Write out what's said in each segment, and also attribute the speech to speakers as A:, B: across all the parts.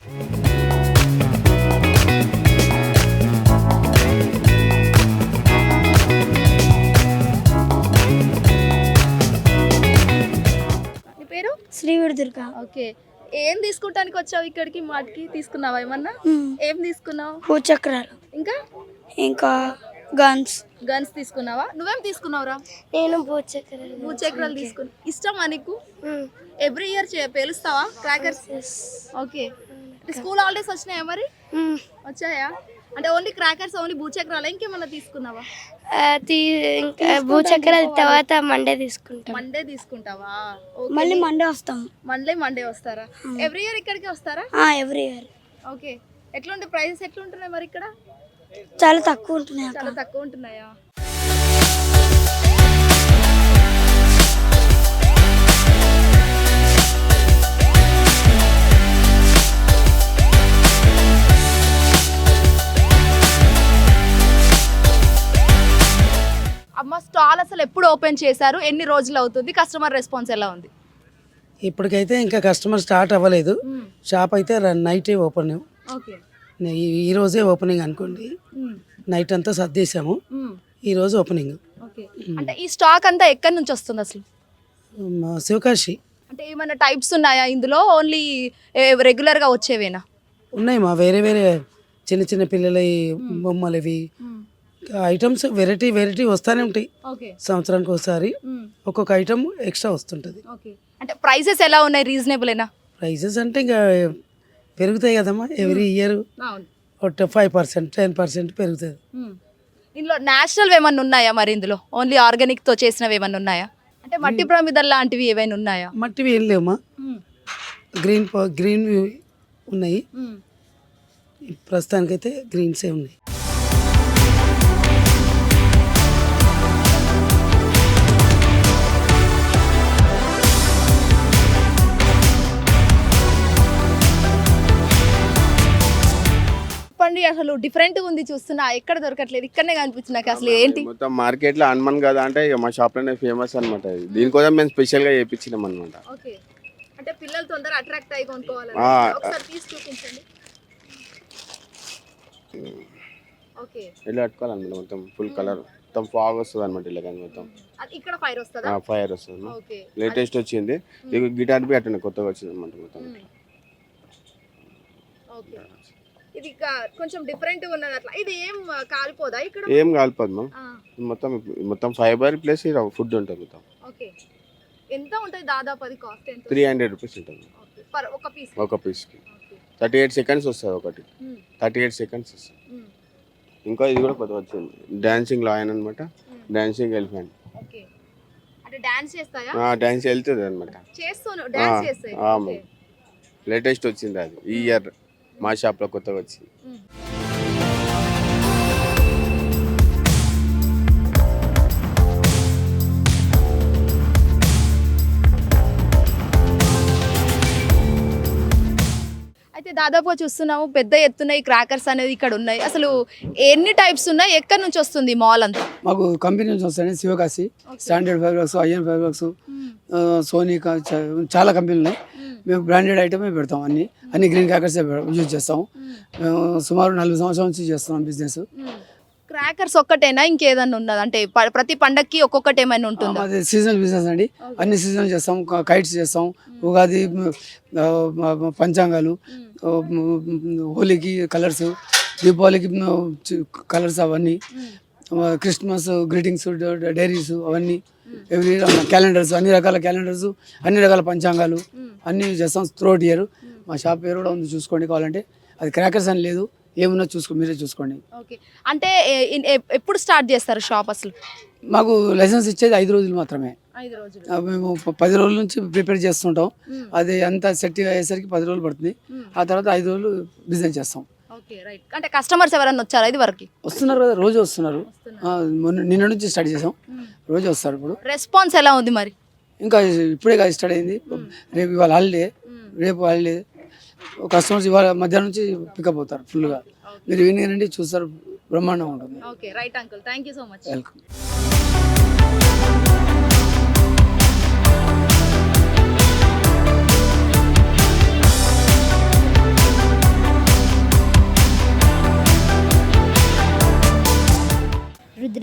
A: నీ పేరు?
B: శ్రీవిడి దుర్గా.
A: ఓకే. ఏం తీసుకుంటానికి వచ్చావు ఇక్కడికి? మాటికి తీసుకున్నావా ఏమన్నా? ఏం తీసుకున్నావు?
B: భూచక్రాలు
A: ఇంకా
B: ఇంకా గన్స్.
A: గన్స్ తీసుకున్నావా? నువ్వేం తీసుకున్నావురా?
B: నేను భూచక్రాలు.
A: భూచక్రాలు తీసుకున్నా. ఇష్టమా నీకు? ఎవ్రీ ఇయర్ పేలుస్తావా క్రాకర్స్? ఓకే. స్కూల్ హాలిడేస్ వచ్చినాయా మరి? వచ్చాయా? అంటే ఓన్లీ క్రాకర్స్, ఓన్లీ భూచక్రాలు, ఇంకేమన్నా తీసుకున్నావా?
B: ఇంకా భూచక్రాలు తర్వాత మండే తీసుకుంటాం.
A: మండే తీసుకుంటావా?
B: మళ్ళీ మండే వస్తాం.
A: మండే వస్తారా? ఎవ్రీ ఇయర్ ఇక్కడికి వస్తారా?
B: Every year.
A: ఓకే. ఎట్లుంటే ప్రైసెస్ ఎట్లుంటున్నాయి మరి ఇక్కడ?
B: చాలా తక్కువ ఉంటున్నాయి.
A: చాలా తక్కువ ఉంటున్నాయా? అమ్మ, స్టాల్ అసలు ఎప్పుడు ఓపెన్ చేశారు? ఎన్ని రోజులు అవుతుంది? కస్టమర్ రెస్పాన్స్ ఎలా ఉంది?
C: ఇప్పటికైతే ఇంకా కస్టమర్ స్టార్ట్ అవ్వలేదు. షాప్ అయితే నైటే ఓపెన్.
A: ఓకే.
C: ఈ రోజే ఓపెనింగ్ అనుకోండి. నైట్ అంతా సర్దేశాము, ఈ రోజు ఓపెనింగ్.
A: ఓకే. అంటే ఈ స్టాక్ అంతా ఎక్కడి నుంచి వస్తుంది అసలు?
C: శివకాశి.
A: అంటే ఏమైనా టైప్స్ ఉన్నాయా ఇందులో? ఓన్లీ రెగ్యులర్గా వచ్చేవేనా?
C: ఉన్నాయి మా వేరే వేరే చిన్న చిన్న పిల్లల బొమ్మలు, ఇవి ఐటమ్స్ వెరైటీ వస్తూనే ఉంటాయి. సంవత్సరానికి ఒకసారి ఒక్కొక్క ఐటమ్ ఎక్స్ట్రా వస్తుంటుంది.
A: అంటే ప్రైసెస్ ఎలా ఉన్నాయి? రీజనబుల్?
C: ప్రైజెస్ అంటే ఇంకా పెరుగుతాయి కదమ్మా, ఎవ్రీ ఇయర్ 5%, 10% పెరుగుతుంది.
A: ఇందులో నేచురల్ ఏమన్నా ఉన్నాయా మరి? ఇందులో ఓన్లీ ఆర్గానిక్ తో చేసినవి ఏమన్నా ఉన్నాయా? అంటే మట్టి ప్రమిదలు లాంటివి ఏమైనా ఉన్నాయా?
C: మట్టివి ఏం లేవమ్మా, గ్రీన్ ఉన్నాయి. ప్రస్తుతానికైతే గ్రీన్సే ఉన్నాయి.
A: అసలు డిఫరెంట్ ఉంది, చూస్తున్నా ఎక్కడ దొరకట్లేదు, ఇక్కడనే కనిపించింది నాకు. అసలు ఏంటి
D: మొత్తం మార్కెట్ లో హనుమాన్ కదా అంటే ఇక మా షాప్ లోనే ఫేమస్ అనమాట. దీనికోసం మేము స్పెషల్ గా చేయించినాం అనమాట.
A: ఓకే. అంటే పిల్లలు తొందర అట్రాక్ట్ అయ్యి కొనుక్కోవాలి. ఒకసారి తీసి చూపించండి. ఓకే. ఇలా
D: కట్టుకోవాలన్నమాట. మొత్తం ఫుల్ కలర్, మొత్తం ఫాగ్ వస్తుంది అనమాట. ఇలా కానీ మొత్తం
A: ఇక్కడ ఫైర్ వస్తుందా?
D: ఫైర్ వస్తుంది. లేటెస్ట్ వచ్చింది. గిటార్ బి అట్లా కొత్తగా వచ్చింది అనమాట మొత్తం.
A: ఓకే. ఇది కొంచెం డిఫరెంట్ గా ఉన్నది. అట్లా ఇది ఏం కాలిపోదా ఇక్కడ?
D: ఏం కాలిపోదు మ్యామ్. మొత్తం ఫైబర్ ప్లస్ ఫుడ్ ఉంటుంది మొత్తం.
A: ఓకే. ఎంత ఉంటుంది దాదాపు అది కాస్ట్? ఎంత?
D: 300 రూపీస్ ఉంటుంది ఒక పీస్ కి. 38 సెకండ్స్ వస్తుంది ఒకటి. 38 సెకండ్స్ వస్తుంది. ఇంకా ఇది కూడా కొత్తగా వచ్చింది, డాన్సింగ్ లయన్ అనమాట, డాన్సింగ్ ఎలిఫెంట్.
A: ఓకే. అంటే డాన్స్ చేస్తాయా?
D: డాన్స్ వెళ్తుంది అనమాట.
A: చేస్తాను, డాన్స్ చేస్తాయి.
D: లేటెస్ట్ వచ్చింది అది ఈ ఇయర్ మా షాప్ లో కొత్తగా వచ్చింది.
A: అయితే దాదాపు చూస్తున్నాము పెద్ద ఎత్తున ఈ క్రాకర్స్ అనేది ఇక్కడ ఉన్నాయి. అసలు ఎన్ని టైప్స్ ఉన్నాయి? ఎక్కడి నుంచి వస్తుంది మాల్ అంతా?
E: మాకు కంపెనీ నుంచి వస్తాయి. Sivakasi, standard fibres, IN fibres, Sonika, చాలా కంపెనీలు ఉన్నాయి. మేము బ్రాండెడ్ ఐటమే పెడతాం. అన్ని గ్రీన్ క్రాకర్స్ యూజ్ చేస్తాము. సుమారు 40 సంవత్సరాల నుంచి చేస్తున్నాం బిజినెస్.
A: క్రాకర్స్ ఒక్కటేనా, ఇంకేదన్నా ఉన్నది? అంటే ప్రతి పండక్కి ఒక్కొక్కటి ఏమైనా ఉంటుంది?
E: అది సీజనల్ బిజినెస్ అండి. అన్ని సీజనల్ చేస్తాం. కైట్స్ చేస్తాం, ఉగాది పంచాంగాలు, హోలీకి కలర్స్, దీపావళికి కలర్స్, అవన్నీ క్రిస్మస్ గ్రీటింగ్స్, డైరీస్, అవన్నీ ఎవ్రీ క్యాలెండర్స్, అన్ని రకాల క్యాలెండర్స్, అన్ని రకాల పంచాంగాలు అన్నీ చేస్తాం త్రూఅవుట్ ఇయర్. మా షాప్ పేరు కూడా ఉంది, చూసుకోండి కావాలంటే. అది క్రాకర్స్ అని లేదు, ఏమున్నా మీరే చూసుకోండి.
A: ఓకే. అంటే ఎప్పుడు స్టార్ట్ చేస్తారు షాప్ అసలు?
E: మాకు లైసెన్స్ ఇచ్చేది 5 రోజులు మాత్రమే.
A: 5 రోజులు.
E: మేము 10 రోజుల నుంచి ప్రిపేర్ చేస్తుంటాం. అది అంతా సెట్ అయ్యేసరికి 10 రోజులు పడుతుంది. ఆ తర్వాత 5 రోజులు బిజినెస్ చేస్తాం.
A: Okay, right. అంటే కస్టమర్స్ ఎవరైనా వచ్చారా ఇది వరకు?
E: వస్తున్నారు కదా, రోజు వస్తున్నారు. నిన్న నుంచి స్టార్ట్ చేసాం, రోజు వస్తారు. ఇప్పుడు
A: రెస్పాన్స్ ఎలా ఉంది మరి?
E: ఇంకా ఇప్పుడే కాదు స్టార్ట్ అయింది. రేపు ఇవాళ హాలిడే, రేపు హాలిడే. కస్టమర్స్ ఇవాళ మధ్యాహ్నం నుంచి పికప్ అవుతారు ఫుల్గా. మీరు ఈవినింగ్ రండి, చూస్తారు, బ్రహ్మాండంగా ఉంటుంది.
A: Okay, right uncle, thank you so much.
E: Welcome.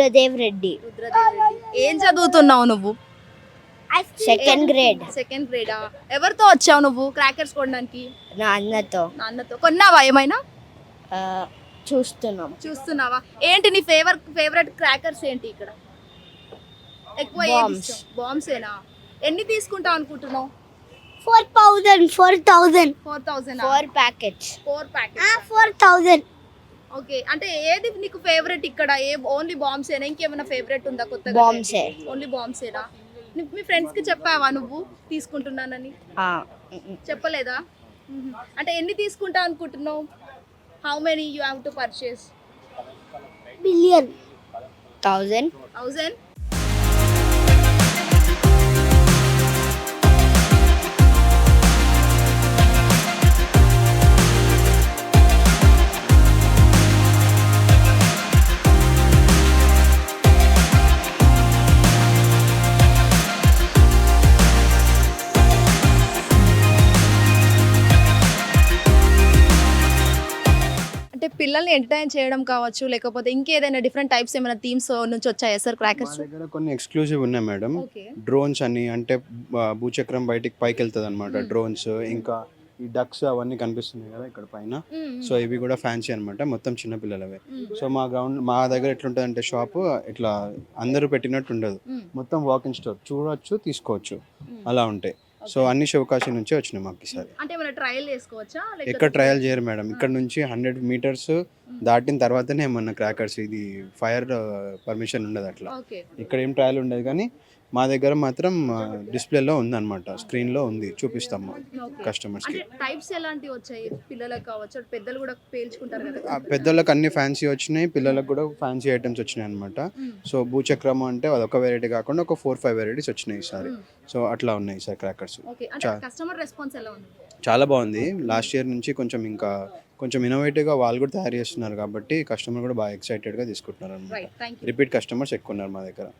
B: Rudradev Reddy.
A: Rudradev Reddy. ఏం చదువుతున్నావు నువ్వు?
B: Second grade.
A: సెకండ్ గ్రేడా? ఎవరితో వచ్చావు నువ్వు క్రాకర్స్ కొనడానికి?
B: నా అన్నతో
A: నాన్నతో. కొన్నావా ఏమైనా?
B: చూస్తున్నాం.
A: చూస్తున్నావా? ఏంటి నీ ఫేవరెట్ క్రాకర్స్ ఏంటి ఇక్కడ? ఎక్కువ
B: Bombs.
A: బాంబ్స్ ఏనా? ఎన్ని తీసుకుంటావు అనుకుంటున్నావు?
B: 4,000.
A: 4,000
B: 4 ప్యాకెట్స్.
A: 4 ప్యాకెట్స్.
B: 4,000.
A: ఓకే, అంటే ఏది నీకు ఫేవరెట్ ఇక్కడ? ఓన్లీ బాంబ్స్ ఏనా? ఇంకేమైనా ఫేవరెట్ ఉందా కొత్తగా?
B: బాంబ్సే.
A: ఓన్లీ బాంబ్స్ ఏనా? మీ ఫ్రెండ్స్ కి చెప్పావా నువ్వు తీసుకుంటున్నానని? చెప్పలేదా? అంటే ఎన్ని తీసుకుంటా అనుకుంటున్నావు? How many you have to purchase?
B: Billion. 1,000.
A: 1000? అంటే పిల్లల్ని ఎంటర్టైన్ చేయడం కావచ్చు, లేకపోతే ఇంకేదైనా డిఫరెంట్ టైప్స్ ఏమైనా థీమ్స్ నుంచి వచ్చాయా సార్
F: మా
A: క్రాకర్స్?
F: దగ్గర కొన్ని ఎక్స్క్లూజివ్ ఉన్నాయి మేడం.
A: ఓకే.
F: డ్రోన్స్ అని, అంటే భూచక్రం బయటికి పైకి వెళ్తుంది అనమాట. డ్రోన్స్, ఇంకా ఈ డక్స్ అవన్నీ కనిపిస్తున్నాయి కదా ఇక్కడ పైన. సో ఇవి కూడా ఫ్యాన్సీ అనమాట, మొత్తం చిన్నపిల్లలవే. సో మా దగ్గర ఎట్లుంటుంది అంటే షాప్ ఇట్లా అందరూ పెట్టినట్టు ఉండదు, మొత్తం వాకింగ్ స్టోర్, చూడొచ్చు, తీసుకోవచ్చు, అలా ఉంటాయి. సో అన్ని శివకాశి నుంచే వచ్చినాయి మాకు ఈసారి.
A: అంటే ఏమైనా ట్రయల్ చేసుకోవచ్చా?
F: ఎక్కడ ట్రయల్ చేయరు మేడం. ఇక్కడ నుంచి 100 మీటర్స్ దాటిన తర్వాతనే ఏమన్నా క్రాకర్స్, ఇది ఫైర్ పర్మిషన్ ఉండదు అట్లా.
A: ఓకే.
F: ఇక్కడ ఏం ట్రయల్ ఉండదు, కానీ మా దగ్గర మాత్రం డిస్ప్లేలో ఉందన్నమాట, స్క్రీన్లో ఉంది, చూపిస్తాము కస్టమర్స్కి.
A: అంటే టైప్స్ ఎలాంటివి వచ్చాయి? పిల్లలకు కావచ్చు, పెద్దలు కూడా పేల్చుకుంటారు కదా?
F: పెద్దలకు అన్ని ఫ్యాన్సీ వచ్చినాయి, పిల్లలకు కూడా ఫ్యాన్సీ ఐటమ్స్ వచ్చినాయి అనమాట. సో భూచక్రము అంటే అదొక వెరైటీ కాకుండా ఒక 4-5 వెరైటీస్ వచ్చినాయి ఈసారి. సో అట్లా ఉన్నాయి సార్ క్రాకర్స్.
A: ఓకే. అంటే కస్టమర్ రెస్పాన్స్ ఎలా ఉంది?
F: చాలా బాగుంది. లాస్ట్ ఇయర్ నుంచి కొంచెం ఇన్నోవేటివ్గా వాళ్ళు కూడా తయారు చేస్తున్నారు కాబట్టి కస్టమర్ కూడా బాగా ఎక్సైటెడ్గా తీసుకుంటున్నారు అనమాట.
A: Right, thank you.
F: Repeat customers ఎక్కువ ఉన్నారు మా దగ్గర.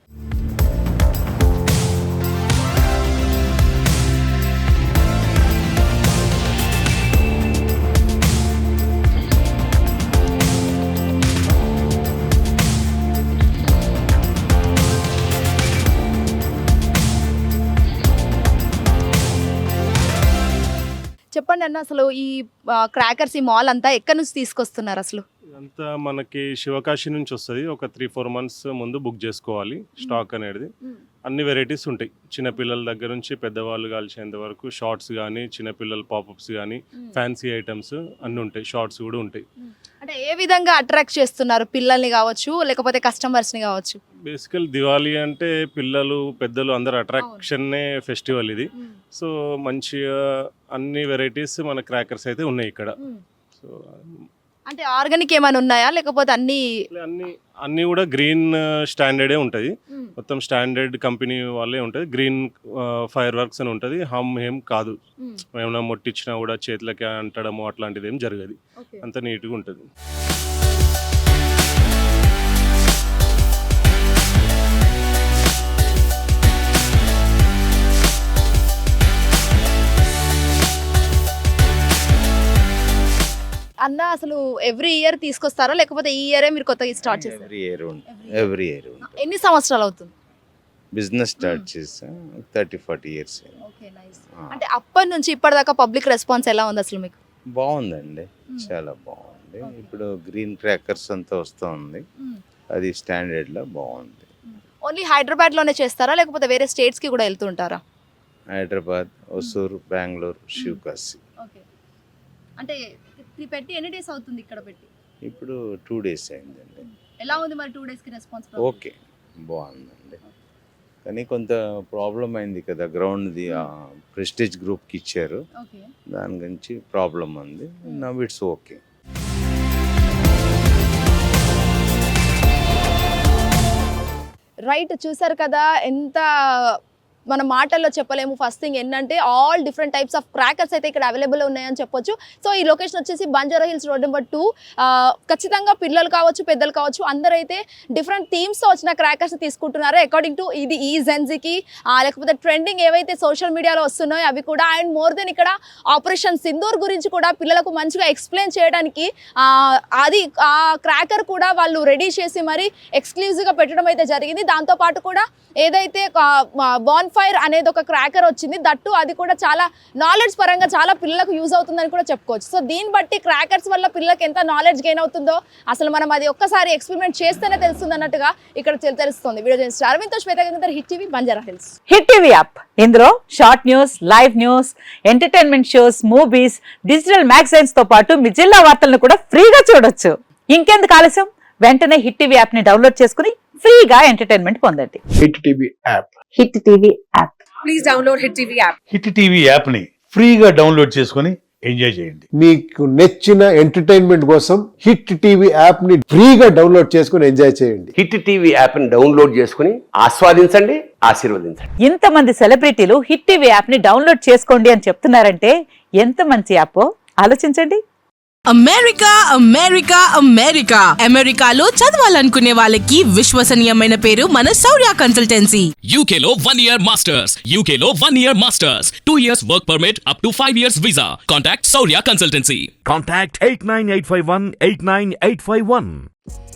A: చెప్పండి అన్న, అసలు ఈ క్రాకర్స్, ఈ మాల్ అంతా ఎక్కడి నుంచి తీసుకొస్తున్నారు అసలు?
G: అంతా మనకి శివకాశి నుంచి వస్తుంది. ఒక 3-4 మంత్స్ ముందు బుక్ చేసుకోవాలి స్టాక్ అనేది. అన్ని వెరైటీస్ ఉంటాయి, చిన్నపిల్లల దగ్గర నుంచి పెద్దవాళ్ళు కాల్చేంత వరకు. షార్ట్స్ కానీ, చిన్నపిల్లల పాపప్స్ కానీ, ఫ్యాన్సీ ఐటమ్స్ అన్నీ ఉంటాయి. షార్ట్స్ కూడా ఉంటాయి.
A: అంటే ఏ విధంగా అట్రాక్ట్ చేస్తున్నారు పిల్లల్ని కావచ్చు, లేకపోతే కస్టమర్స్ని కావచ్చు?
G: బేసికల్ దివాళీ అంటే పిల్లలు పెద్దలు అందరు అట్రాక్షన్నే ఫెస్టివల్ ఇది. సో మంచిగా అన్ని వెరైటీస్ మన క్రాకర్స్ అయితే ఉన్నాయి ఇక్కడ. సో
A: అంటే ఆర్గానిక్ ఏమైనా ఉన్నాయా, లేకపోతే అన్ని?
G: అన్నీ కూడా గ్రీన్ స్టాండర్డే ఉంటుంది, మొత్తం స్టాండర్డ్ కంపెనీ వాళ్ళే ఉంటుంది. గ్రీన్ ఫైర్ వర్క్స్ అని ఉంటుంది, హమ్ ఏం కాదు. ఏమైనా మొట్టిచ్చినా కూడా చేతులకి అంటడము అట్లాంటిది ఏం జరగదు, అంత నీట్గా ఉంటుంది.
A: అన్న, అసలు ఎవ్రీ ఇయర్ తీసుకొస్తారా, లేకపోతే ఈ ఇయరే మీరు కొత్తగా స్టార్ట్ చేస్తారు?
H: ఎవ్రీ ఇయర్
A: ఎన్ని సంవత్సరాలు అవుతుంది
H: బిజినెస్ స్టార్ట్ చేసా? 30-40 ఇయర్స్.
A: Okay, nice. అంటే అప్పటి నుంచి ఇప్పటిదాకా పబ్లిక్ రెస్పాన్స్ ఎలా ఉంది అసలు మీకు?
H: బాగుందండి, చాలా బాగుంది. ఇప్పుడు గ్రీన్ క్రాకర్స్ అంతా వస్తూ ఉంది, అది స్టాండర్డ్లో బాగుంది.
A: ఓన్లీ హైదరాబాద్ లోనే చేస్తారా, లేకపోతే వేరే స్టేట్స్ కి కూడా వెళ్తుంటారా?
H: హైదరాబాద్, హొసూరు, బెంగళూరు, శివకాశి.
A: ఓకే. అంటే పెట్టి ఎన్ని డేస్ అవుతుంది ఇక్కడ పెట్టి?
H: ఇప్పుడు 2 days అయిందండి.
A: ఎలా ఉంది మరి 2 days కి రెస్పాన్స్?
H: ఓకే, బాగుందండి. కానీ కొంత ప్రాబ్లం అయింది కదా, గ్రౌండ్ది ప్రెస్టీజ్ గ్రూప్కి ఇచ్చారు,
A: ఓకే,
H: దాని గురించి ప్రాబ్లం ఉంది. Now it's okay.
A: రైట్, చూసారు కదా ఎంత మన మాటల్లో చెప్పలేము. ఫస్ట్ థింగ్ ఏంటంటే all different types of crackers అయితే ఇక్కడ అవైలబుల్ ఉన్నాయని చెప్పొచ్చు. సో ఈ లొకేషన్ వచ్చేసి బంజారా హిల్స్ రోడ్ నెంబర్ 2. ఖచ్చితంగా పిల్లలు కావచ్చు, పెద్దలు కావచ్చు, అందరైతే డిఫరెంట్ థీమ్స్తో వచ్చిన క్రాకర్స్ తీసుకుంటున్నారు అకార్డింగ్ టు ఇది ఈ జెన్జీకి, లేకపోతే ట్రెండింగ్ ఏవైతే సోషల్ మీడియాలో వస్తున్నాయో అవి కూడా. అండ్ మోర్ దెన్ ఇక్కడ ఆపరేషన్ సింధూర్ గురించి కూడా పిల్లలకు మంచిగా ఎక్స్ప్లెయిన్ చేయడానికి అది ఆ క్రాకర్ కూడా వాళ్ళు రెడీ చేసి మరి ఎక్స్క్లూజివ్గా పెట్టడం అయితే జరిగింది. దాంతోపాటు కూడా ఏదైతే బాన్ ఫైర్ అనేది ఒక క్రాకర్ వచ్చింది, దట్టు అది కూడా చాలా నాలెడ్జ్ పరంగా చాలా పిల్లలకు యూజ్ అవుతుందని కూడా చెప్పుకోవచ్చు. సో దీన్ని బట్టి క్రాకర్స్ వల్ల పిల్లలకు ఎంత నాలెడ్జ్ గెయిన్ అవుతుందో అసలు మనం అది ఒక్కసారి ఎక్స్పెరిమెంట్ చేస్తేనే తెలుస్తుంది అన్నట్టుగా ఇక్కడ తెలుస్తుంది. వీడియో జర్నలిస్ట్ అరవింద్తో Shweta Gangadhar, Hit TV, Banjara Hills.
I: Hit TV app ఇందులో short news, live news, entertainment shows, movies, digital magazines తో పాటు మీ జిల్లా వార్తలను కూడా ఫ్రీగా చూడొచ్చు. ఇంకెందుకు ఆలస్యం, వెంటనే హిట్ టీవీ యాప్ ని డౌన్లోడ్ చేసుకుని ఫ్రీగా ఎంటర్టైన్మెంట్ పొందండి.
J: Hit TV app.
I: Hit TV app. Please download Hit TV app.
J: Hit TV app ని ఫ్రీగా డౌన్లోడ్ చేసుకుని ఎంజాయ్ చేయండి.
K: మీకు నచ్చిన ఎంటర్టైన్మెంట్ కోసం హిట్ టీవీ యాప్ ని ఫ్రీగా డౌన్లోడ్ చేసుకుని ఎంజాయ్ చేయండి.
L: హిట్ టీవీ యాప్ ని డౌన్లోడ్ చేసుకుని ఆస్వాదించండి, ఆశీర్వదించండి.
I: ఇంతమంది సెలబ్రిటీలు హిట్ టీవీ యాప్ ని డౌన్లోడ్ చేసుకోండి అని చెప్తున్నారంటే ఎంత మంచి యాప్ ఆలోచించండి.
M: అమెరికా అమెరికా అమెరికా అమెరికాలో చదవాలనుకునే వాళ్ళకి విశ్వసనీయమైన పేరు మన శౌర్య కన్సల్టెన్సీ.
N: UK లో 1 year masters, UK లో 1 year masters, 2 years work permit up to 5 years visa. Contact Saurya Consultancy.
J: Contact 89851 89851.